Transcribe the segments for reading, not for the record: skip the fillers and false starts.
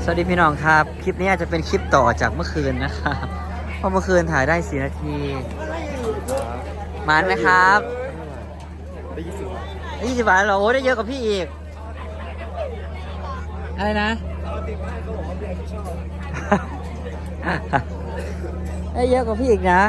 สวัสดีพี่น้องครับคลิปนี้อาจจะเป็นคลิปต่อจากเมื่อคืนนะครับเพราะเมื่อคืนถ่ายได้4 นาทีมันไหมครับได้ 20 บาทเหรอโอ้ได้เยอะกว่าพี่อีกอะไรนะได้เยอะกว่าพี่อีกนะ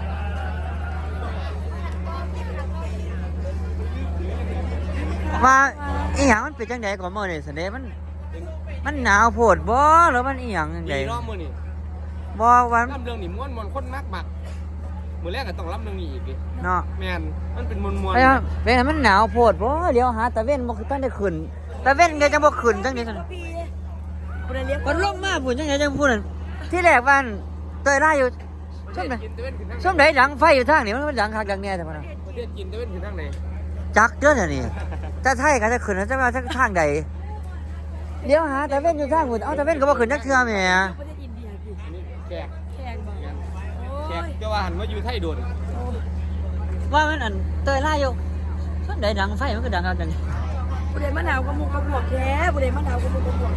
มาอีหยังมันเป็นจังไดก่อนเมื่อเนี่ยสันเดมันหนาวโพดบ่หรือมันอีหยังจังไดรอบมือนี่บ่วันล่ำเรื่องนี่ม้วนคนมากมือแรกก็ต้องล่ำเรื่องนี้อีกดิเนาะแมนมันเป็นม้วนเป็นมันหนาวโพดบ่เดี๋ยวหาตะเว้นบ่คือตั้งได้ขึ้นตะเว้นก็จังบ่ขึ้นจังได๋ซั่นมันลงมาพุ่นจังได๋จังพูดนั่นที่แรกบ้านเตยล่าอยู่ช่วงไหนดังไฟอยู่ทางนี่มันดังคักดังแน่แต่ว่าประเทศกินตะเวนคือทางไหนจักเด้อนี่แต่ไทยก็จะขึ้นจะมาทางใดเดี๋ยวหาตะเว้นอยู่ทางพุ่นเอาตะเว้นก็บ่ขึ้นจักเทื่อแหมแขกจะว่าหันมาอยู่ไทยโดนว่ามันอันเตยล่าอยู่ช่วงไหนดังไฟมันก็ดังคักดังบุเรมะนาวกับมุกกระบวกแค่บุเรมะนาวกับมุกกระบวก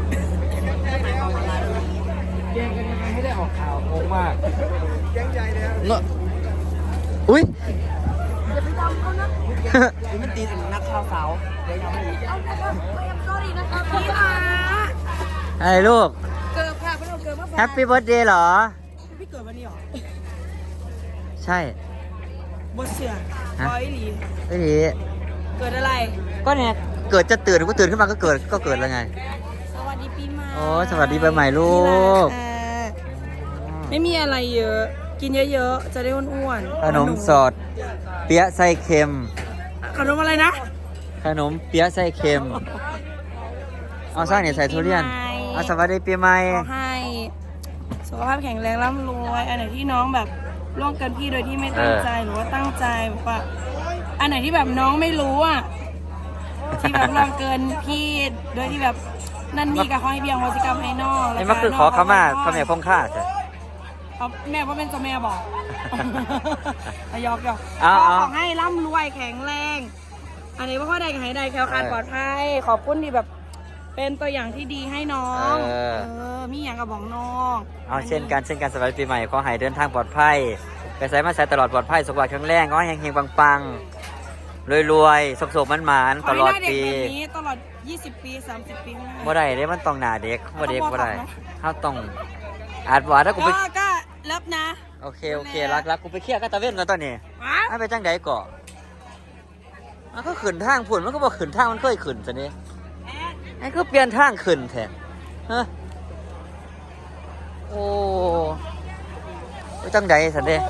แกงกันยังไงให้ได้ออกข่าวโกงมากแกงใหญ่เลยอุ้ยอย่าไปดำเขานะมันตีนักข่าวสาวเดี๋ยวทำให้อีกเอานะครับไม่ทำ sorry นะครับพี่มาอะไรลูกเกิดค่ะพี่เราเกิดมาแฮปปี้เบิร์ธเดย์เหรอพี่เกิดวันนี้หรอใช่บดเสือร้อยหลีไม่ดีเกิดอะไรก็เนี่ยเกิดจะตื่นก็ตื่นขึ้นมาก็เกิดแล้วไงสวัสดีปีใหม่โอ้สวัสดีปีใหม่ลูกไม่มีอะไรเยอะกินเยอะๆจะได้อ้วนๆขนมสดเปี๊ยะไส้เค็มขนมอะไรนะขนมเปี๊ยะไส้เค็มเอาไส้เนี่ยใส่ทุเรียนเอาสวัสดีปีใหม่ขอให้สุขภาพแข็งแรงร่ำรวยอันไหนที่น้องแบบร่วมกันพี่โดยที่ไม่ตั้งใจหรือว่าตั้งใจแบบว่าอันไหนที่แบบน้องไม่รู้อ่ะที่แบบร่วมเกินพี่โดยที่แบบนั่นนี่กับเขาให้เบี้ยงวจิกรรมให้น้องนี่มันคือขอขมาพระแม่คงค่าใช่แม่ว่าเป็นเจ้าแม่บอกยอกขอให้ร่ำรวยแข็งแรงอันนี้ว่าพ่อใดกับให้ใดแคล้วคลาดปลอดภัยขอบคุณที่แบบเป็นตัวอย่างที่ดีให้น้องมีอย่างกับบอกน้องเอาเช่นกันสวัสดีปีใหม่ขอให้เดินทางปลอดภัยไปใส่มาใส่ตลอดปลอดภัยสุขภาพแข็งแรงขอให้เฮงๆปังๆรวยๆสุขๆมันๆตลอดปีตลอด20 ปี30 ปีข้างหน้าบ่ได้เด้มันต้องหน้าเด็กบ่เด็กบ่ได้เฮาต้องอาจว่าถ้ากูไปก็รับนะโอเครักกูไปเคลียร์กับตะเว้นกันตอนนี้ให้ไปจังใดก่อมันก็ขึ้นทางพุ่นมันก็บ่ขึ้นทางมันเคยขึ้นซะนี่ไอ้คือเปลี่ยนทางขึ้นแท้ฮะโอ้ไปจังใดซั่นเด้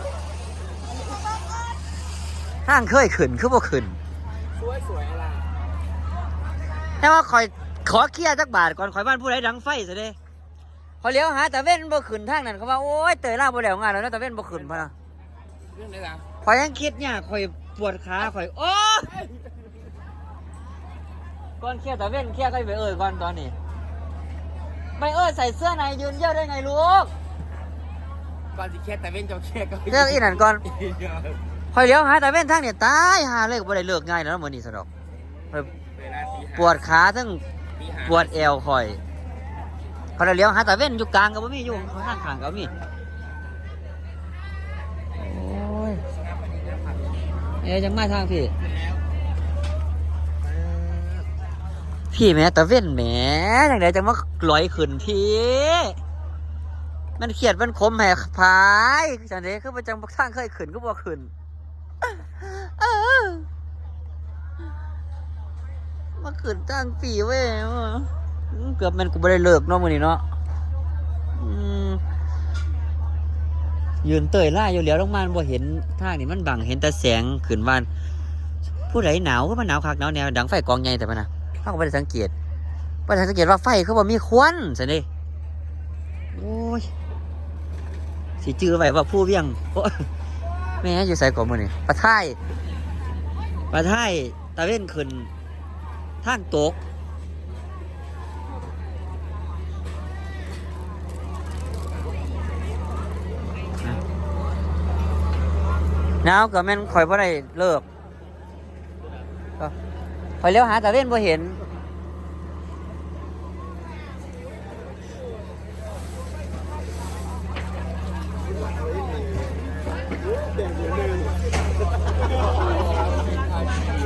ทางเคยขึ้นคือบ่ขึ้นสวยอะไรแต่ว่าขอเคลียร์จักบาทก่อนข่อยบ้านผู้ใดดังไฟซะเด้พอเลี้ยวหาตะเว้นบ่ขึ้นทางนั้นเขาว่าโอ๊ยเตยล่าบ่แล้วงานแล้วตะเว้นบ่ขึ้นพะนะเรื่องไหนล่ะข่อยยังคิดเนี่ยข่อยปวดขาข่อยโอ้ก่อนเคลียร์ตะเว้นเคลียร์ก็ไปก่อนตอนนี้ไม่ใส่เสื้อในยืนเยี่ยวได้ไงลูกก่อนสิเคลียร์ตะเว้นจะเคลียร์ก็เรื่องอีนั่นก่อนข่อยเลี้ยวหาตะเว้นทางเนี่ยตายหาเลยบ่ได้เลิกง่ายแล้วมื้อนี้ซะดอกปวดขาทั้งปวดเอวข่อยเขาเลี้ยวหาตะเว้นอยู่กลางก็บ่มีอยู่ข้างข้างก็มีโอ้ยจังมาทางพี่แม่ตะเว้นแหมจังได๋จังมาลอยขึ้นพี่มันเขียดมันคมแหกพายจังได๋คือประจังทางเคยขึ้นก็บ่ขึ้นมาขึ้นทางปีเว้ยเกือบมันกูไม่ได้เลิกเนาะมื้อนี้เนาะยืนเตยล่าอยู่แล้วลงมาบ่เห็นทางนี่มันบังเห็นแต่แสงขึ้นบ้านผู้ใดหนาวก็มันหนาวคักหนาวแนวดังไฟกองใหญ่แต่มันน่ะเฮาก็บ่ได้สังเกตว่าไฟเขาบ่มีควันซั่นเด้โอ้ยสิจื้อไว้ว่าผู้เวียงโอ้แม่อยู่ไสก่อนมื้อนี้ปะท้ายตะเว้นขึ้นทางตกหนาวก็แม่นข่อยบ่ได้เลิกข่อยเลี้ยวหาตะเว้นบ่เห็น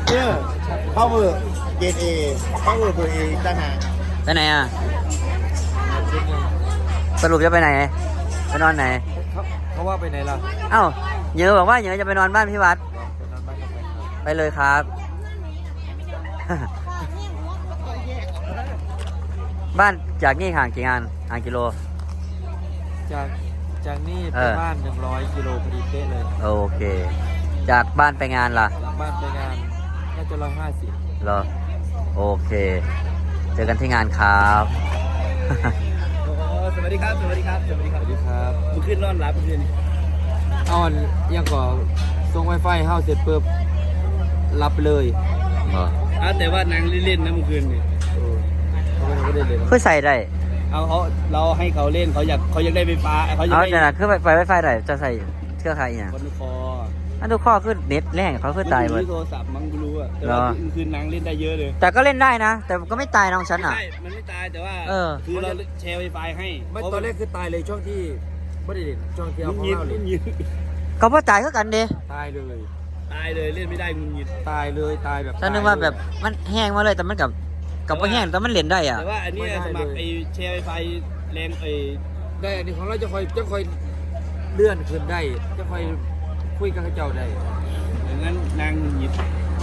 เข้าเบอร์เกรดเอเข้าเบอร์เบอร์เอต่างหากไปไหนอ่ะสรุปจะไปไหนไปนอนไหนเขาว่าไปไหนล่ะเอ้าเหยอะบอกว่าเหยอะจะไปนอนบ้านพี่วัดไปเลยครับ บ้านจากนี่ห่างกี่งานห่างกิโลจากนี่เอไปอบ้าน100 กิโลพอดีเป๊ะเลยโอเค จากบ้านไปงานล่ะจากบ้านไปงานน่าจะ150 เหรอโอเค เจอกันที่งานครับสวัสดีครับสวัสดีครับสวัสดีครับสวัสดีครับมึงขึ้นนอนรับมึงขึ้นอ่อนยังก่อส่งไวไฟเข้าเสร็จปุ๊บรับเลยเหรอแต่ว่านางเล่นๆนะเมื่อคืนนี่เขาไม่ได้เล่นเพื่อใส่ได้เราให้เขาเล่นเขาอยากได้ไฟฟ้าเขาอยากเอาได้จะนะคือไฟได้จะใส่เครือข่ายอย่างคอนคออันทุกข้อขึ้นเน็ตแรงเขาขึ้นตายหมดโทรศัพท์มั้งกูรู้อะแต่ว่าคืนนางเล่นได้เยอะเลยแต่ก็เล่นได้นะ แต่ก็ไม่ตายน้องฉันอ่ะใช่มันไม่ตายแต่ว่าเออคือเราแชร์ไวไฟให้ไม่ตอนแรกคือตายเลยช่วงที่ไม่ได้เด่นช่วงที่เอามึงของยินเราเลยก็พ่อตายก็กันเด้ตายเลยตายเลยเล่นไม่ได้มึงยินตายเลยตายแบบฉันนึกว่าแบบมันแห้งมาเลยแต่มันกับว่าแห้งแต่มันเล่นได้อ่ะแต่ว่าอันนี้สมัครไอแชร์ไวไฟแรงไอได้อันนี้ของเราจะคอยเลื่อนขึ้นได้จะคอยคุยกับเขาเจ้าได้อย่างนั้นนางหยิบ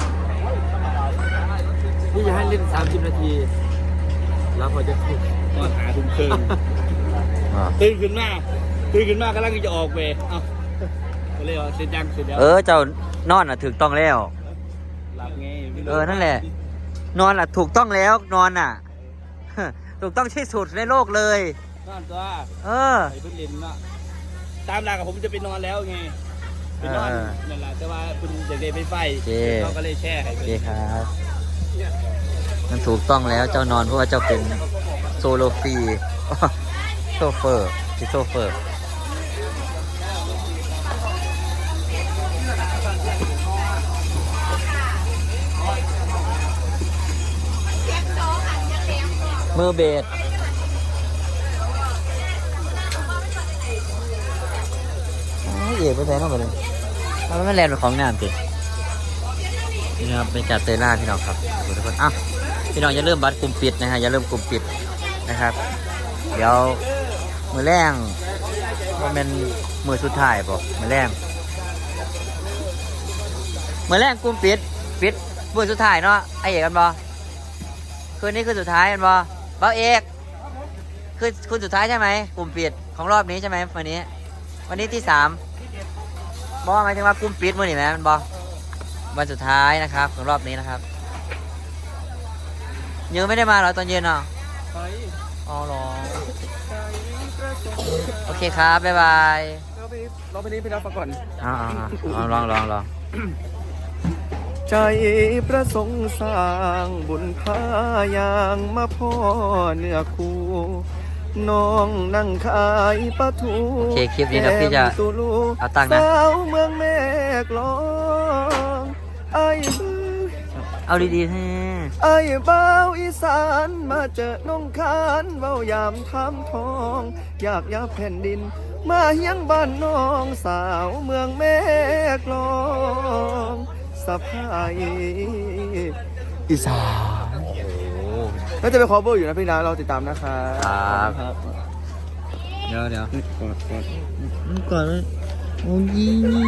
พี่จะให้เล่น30 นาทีแล้วพอจะถูกก็หาทุ่มครึ่งตื่นขึ้นมากำลังจะออกเวเอาก็เลยว่าเสร็จยังเสร็จแล้วเจ้านอนอ่ะถูกต้องแล้วหลับไงไม่รู้นั่นแหละ นอนอ่ะถูกต้องแล้วนอนอ่ะ ถูกต้องที่สุดในโลกเลยนอนตัวเออไอ้เพิ่งเล่นเนาะตามหลักกับผมจะไปนอนแล้วไงไปนอนนั่นแหละแต่ว่าคุณอยากได้ไฟไฟเขาก็เลยแช่ให้โอเคครับ มันถูกต้องแล้วเจ้านอนเพราะว่าเจ้าเป็นโซโลฟรี โซเฟอร์ที่โซเฟอร์ มือเบสเอ๋ไปใส่นอกไปเลยแล้วมันแลนด์เป็นของน้ำตินี่นะครับเป็นการเตยล่าพี่น้องครับขอบคุณทุกคนอ้าวพี่น้องอย่าเริ่มบัตรกลุ่มปิดนะฮะอย่าเริ่มกลุ่มปิดนะครับ เดี๋ยวมือแรงว่าเป็นมือสุดท้ายป่ะมือแรงกลุ่มปิดมือสุดท้ายเนาะไอเอกกันบ่คืนนี้คือสุดท้ายกันบ่เบ้าเอกคือคุณสุดท้ายใช่ไหมกลุ่มปิดของรอบนี้ใช่ไหมวันนี้ที่3บอกหมายถึงว่ากลุ่มปิดมื้อนี้ไหมมันบอวันสุดท้ายนะครับของรอบนี้นะครับยังไม่ได้มาเหรอตอนเย็นอ่ะอ๋อหรอโอเคครับบ๊ายบายเราไปนี้ไปรับก่อนลองใจประสงค์สร้างบุญพายางมาพ่อเนื้อคู่น้องนั่งขายปลาทูโอเคคลิปนี้เดี๋ยวพี่จะเอาตังค์นะสาวเมืองแม่กลองไอ้เอาดีๆให้ไอ้บ่าวอีสานมาเจอน้องคานเว้ายามทำทองอยากยับแผ่นดินมาเฮียงบ้านน้องสาวเมืองแม่กลองสะพายอีสานก็จะไปคอเวอร์อยู่นะพี่นะเราติดตามนะครับครับ เดี๋ยวก่อนโอ้ย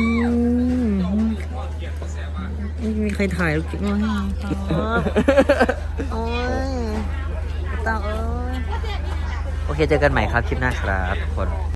ไม่มีใครถ่ายคลิปมาให้โอ้ยตาเอ้ยโอเคเจอกันใหม่ครับคลิปหน้าครับทุกคน